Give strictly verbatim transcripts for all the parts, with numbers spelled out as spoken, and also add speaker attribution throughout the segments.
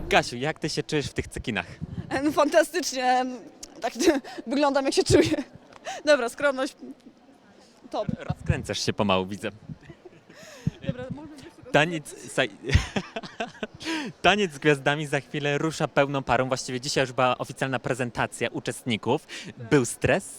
Speaker 1: Kasiu, jak ty się czujesz w tych cekinach?
Speaker 2: E, No fantastycznie, tak wyglądam jak się czuję. Dobra, skromność, top.
Speaker 1: Rozkręcasz się pomału, widzę.
Speaker 2: Dobra, może być tego-
Speaker 1: Taniec, saj... Taniec z gwiazdami za chwilę rusza pełną parą. Właściwie dzisiaj już była oficjalna prezentacja uczestników. Był stres?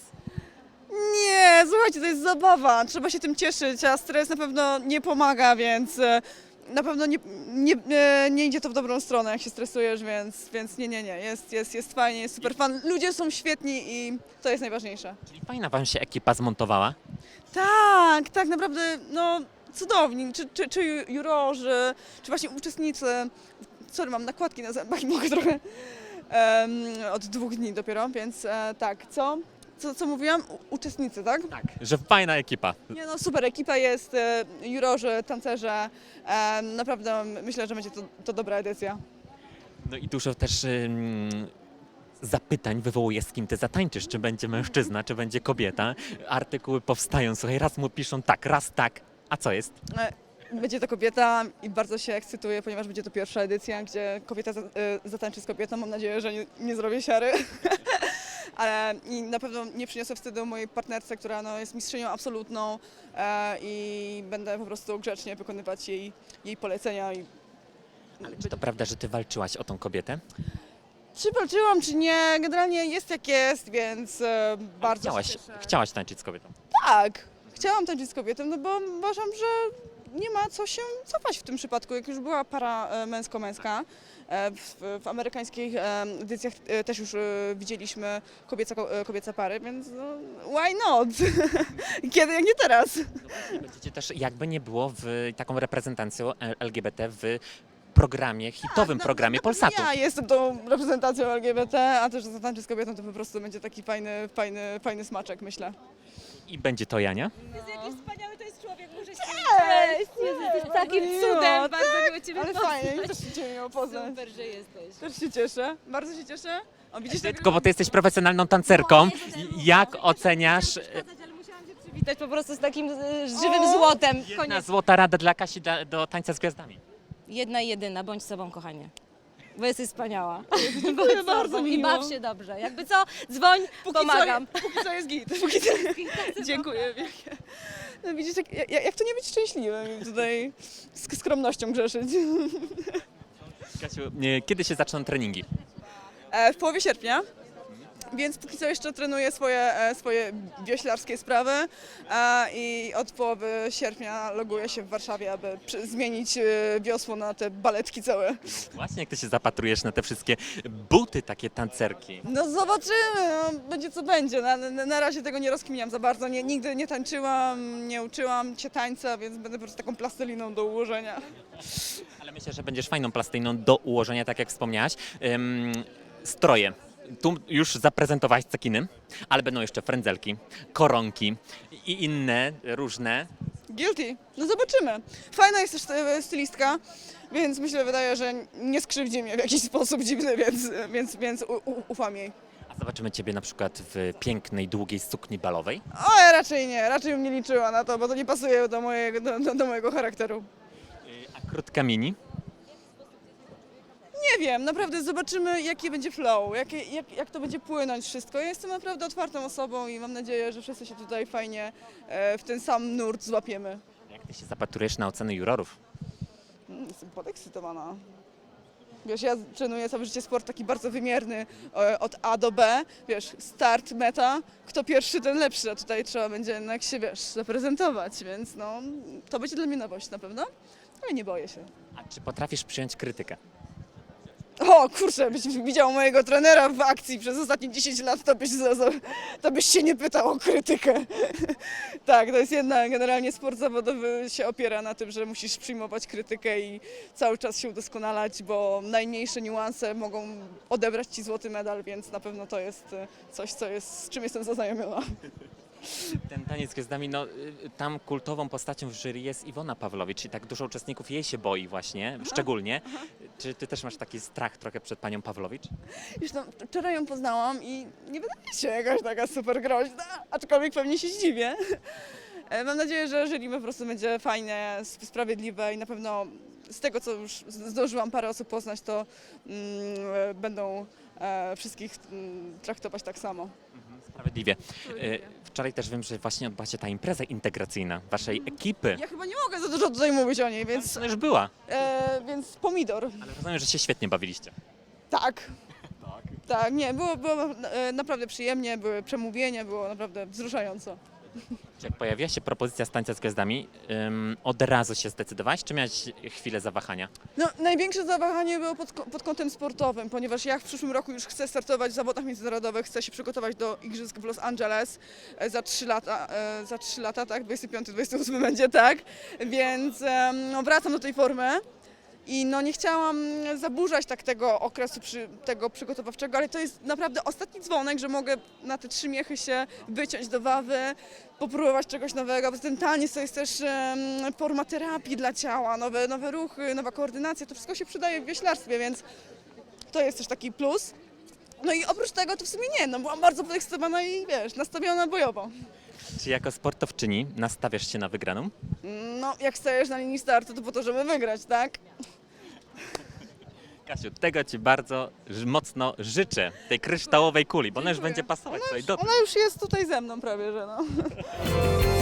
Speaker 2: Nie, słuchajcie, to jest zabawa, trzeba się tym cieszyć, a stres na pewno nie pomaga, więc e, na pewno nie, nie, e, nie idzie to w dobrą stronę, jak się stresujesz, więc, więc nie, nie, nie, jest, jest, jest fajnie, jest super fan. Ludzie są świetni i to jest najważniejsze.
Speaker 1: Czyli fajna wam się ekipa zmontowała.
Speaker 2: Tak, tak naprawdę, no cudowni, czy, czy, czy ju- jurorzy, czy właśnie uczestnicy, sorry, mam nakładki na zębach i mogę trochę em, od dwóch dni dopiero, więc e, tak, co? Co, co mówiłam? U, uczestnicy, tak?
Speaker 1: Tak. Że fajna ekipa.
Speaker 2: Nie no, super ekipa jest, e, jurorzy, tancerze, e, naprawdę myślę, że będzie to, to dobra edycja.
Speaker 1: No i dużo też ym, zapytań wywołuje, z kim ty zatańczysz. Czy będzie mężczyzna, czy będzie kobieta. Artykuły powstają, słuchaj, raz mu piszą tak, raz tak. A co jest?
Speaker 2: E, Będzie to kobieta i bardzo się ekscytuję, ponieważ będzie to pierwsza edycja, gdzie kobieta za- e, zatańczy z kobietą. Mam nadzieję, że nie, nie zrobię siary. Ale i na pewno nie przyniosę wstydu mojej partnerce, która no, jest mistrzynią absolutną e, i będę po prostu grzecznie wykonywać jej, jej polecenia. I...
Speaker 1: Ale czy to prawda, że ty walczyłaś o tą kobietę?
Speaker 2: Czy walczyłam, czy nie, generalnie jest jak jest, więc e, bardzo
Speaker 1: Chciałaś,
Speaker 2: się cieszę.
Speaker 1: chciałaś tańczyć z kobietą.
Speaker 2: Tak, chciałam tańczyć z kobietą, no bo uważam, że nie ma co się cofać w tym przypadku. Jak już była para e, męsko-męska, e, w, w amerykańskich e, edycjach e, też już e, widzieliśmy kobieca, ko- e, kobiece pary, więc no, why not? Kiedy, jak nie teraz?
Speaker 1: Będziecie też, jakby nie było, w taką reprezentacją L G B T w programie, hitowym
Speaker 2: Na-
Speaker 1: programie
Speaker 2: na pewno
Speaker 1: Polsatu.
Speaker 2: Ja jestem tą reprezentacją L G B T, a też, że zatańczy z kobietą, to po prostu będzie taki fajny, fajny, fajny smaczek, myślę.
Speaker 1: I będzie to Jania.
Speaker 3: Jest jaki wspaniały to jest człowiek, muszę się
Speaker 2: Cześć!
Speaker 3: Jezu, jesteś takim
Speaker 2: miło,
Speaker 3: cudem, bardzo miło Ciebie
Speaker 2: Ale
Speaker 3: poznać.
Speaker 2: fajnie, też się Cię miło poznać.
Speaker 3: Super, że jesteś.
Speaker 2: Też się cieszę, bardzo się cieszę. O, widzisz, tak
Speaker 1: Tylko, bo ty jesteś profesjonalną tancerką. Jak oceniasz
Speaker 3: Przeszkadzać, ale musiałam się przywitać po prostu z takim e, żywym złotem.
Speaker 1: jedna
Speaker 3: Koniec.
Speaker 1: złota rada dla Kasi da, do tańca z gwiazdami?
Speaker 3: Jedna i jedyna, bądź sobą, kochanie. Bo jesteś wspaniała.
Speaker 2: Dziękuję
Speaker 3: Bądź
Speaker 2: bardzo,
Speaker 3: sobą I
Speaker 2: miło.
Speaker 3: baw się dobrze. Jakby co, dzwoń,
Speaker 2: Póki
Speaker 3: pomagam.
Speaker 2: Co, póki co jest git. Póki co... Dziękuję wielkie. No widzisz, jak, jak, jak to nie być szczęśliwym i tutaj z skromnością grzeszyć.
Speaker 1: Kasiu, e, kiedy się zaczną treningi?
Speaker 2: E, w połowie sierpnia, więc póki co jeszcze trenuję swoje, e, swoje wioślarskie sprawy e, i od połowy sierpnia loguję się w Warszawie, aby przy, zmienić e, wiosło na te baletki całe.
Speaker 1: Właśnie jak ty się zapatrujesz na te wszystkie buty takie tancerki.
Speaker 2: No zobaczymy, no, będzie co będzie. Na, na, na razie tego nie rozkminiam za bardzo. Nie, nigdy nie tańczyłam, nie uczyłam się tańca, więc będę po prostu taką plasteliną do ułożenia.
Speaker 1: Ale myślę, że będziesz fajną plastyjną do ułożenia, tak jak wspomniałaś. Ym, stroje. Tu już zaprezentowałaś cekiny, ale będą jeszcze frędzelki, koronki i inne różne.
Speaker 2: Guilty. No zobaczymy. Fajna jest też e, stylistka, więc myślę, wydaje, że nie skrzywdzi mnie w jakiś sposób dziwny, więc, więc, więc u, u, ufam jej.
Speaker 1: A zobaczymy ciebie na przykład w pięknej, długiej sukni balowej.
Speaker 2: O, ja raczej nie, raczej bym nie liczyła na to, bo to nie pasuje do mojego, do, do, do mojego charakteru.
Speaker 1: A krótka mini.
Speaker 2: Nie wiem, naprawdę zobaczymy, jaki będzie flow, jakie, jak, jak to będzie płynąć wszystko. Ja jestem naprawdę otwartą osobą i mam nadzieję, że wszyscy się tutaj fajnie e, w ten sam nurt złapiemy.
Speaker 1: Jak ty się zapatrujesz na oceny jurorów?
Speaker 2: Mm, Jestem podekscytowana. Wiesz, ja trenuję całe życie sport taki bardzo wymierny, e, od A do B, wiesz, start, meta, kto pierwszy, ten lepszy, a tutaj trzeba będzie jednak się, wiesz, zaprezentować, więc no, to będzie dla mnie nowość na pewno, ale nie boję się.
Speaker 1: A czy potrafisz przyjąć krytykę?
Speaker 2: O kurczę, byś widział mojego trenera w akcji przez ostatnie dziesięć lat, to byś, za, za, to byś się nie pytał o krytykę. Tak, to jest jedna, generalnie sport zawodowy się opiera na tym, że musisz przyjmować krytykę i cały czas się udoskonalać, bo najmniejsze niuanse mogą odebrać ci złoty medal, więc na pewno to jest e, coś, co jest, z czym jestem zaznajomiona.
Speaker 1: Ten taniec z gwiazdami, no y, tam kultową postacią w jury jest Iwona Pawłowicz i tak dużo uczestników jej się boi właśnie, szczególnie. Czy ty też masz taki strach trochę przed panią Pawłowicz?
Speaker 2: Już no, wczoraj ją poznałam i nie wydaje się jakaś taka super groźna, aczkolwiek pewnie się zdziwię. E, Mam nadzieję, że jury po prostu będzie fajne, sp- sprawiedliwe i na pewno z tego, co już zdążyłam parę osób poznać, to mm, będą e, wszystkich mm, traktować tak samo.
Speaker 1: Sprawiedliwie. E, Wczoraj też wiem, że właśnie odbyła się ta impreza integracyjna waszej ekipy.
Speaker 2: Ja chyba nie mogę za dużo tutaj mówić o niej, więc,
Speaker 1: To już była,
Speaker 2: e, więc pomidor.
Speaker 1: ale rozumiem, że się świetnie bawiliście.
Speaker 2: Tak. Tak, nie, było, było e, naprawdę przyjemnie, były przemówienia, było naprawdę wzruszająco.
Speaker 1: Czy jak pojawiła się propozycja Stańca z Gwiazdami, ym, od razu się zdecydowałaś, czy miałeś chwilę zawahania?
Speaker 2: No, największe zawahanie było pod, ko- pod kątem sportowym, ponieważ ja w przyszłym roku już chcę startować w zawodach międzynarodowych, chcę się przygotować do igrzysk w Los Angeles e, za trzy lata, e, za trzy lata, tak, dwudziesty piąty dwudziesty ósmy będzie, tak, więc em, no, wracam do tej formy. I no nie chciałam zaburzać tak tego okresu przy, tego przygotowawczego, ale to jest naprawdę ostatni dzwonek, że mogę na te trzy miechy się wyciąć do wawy, popróbować czegoś nowego. Bo ten taniec to jest też em, forma terapii dla ciała, nowe, nowe ruchy, nowa koordynacja, to wszystko się przydaje w wioślarstwie, więc to jest też taki plus. No i oprócz tego to w sumie nie, no byłam bardzo podekscytowana i wiesz, nastawiona bojowo.
Speaker 1: Czy jako sportowczyni nastawiasz się na wygraną?
Speaker 2: No jak stajesz na linii startu, to po to, żeby wygrać, tak?
Speaker 1: Kasiu, tego Ci bardzo ż- mocno życzę, tej kryształowej kuli, bo ona już
Speaker 2: Dziękuję.
Speaker 1: będzie pasować tutaj do
Speaker 2: Ona już jest tutaj ze mną prawie, że no.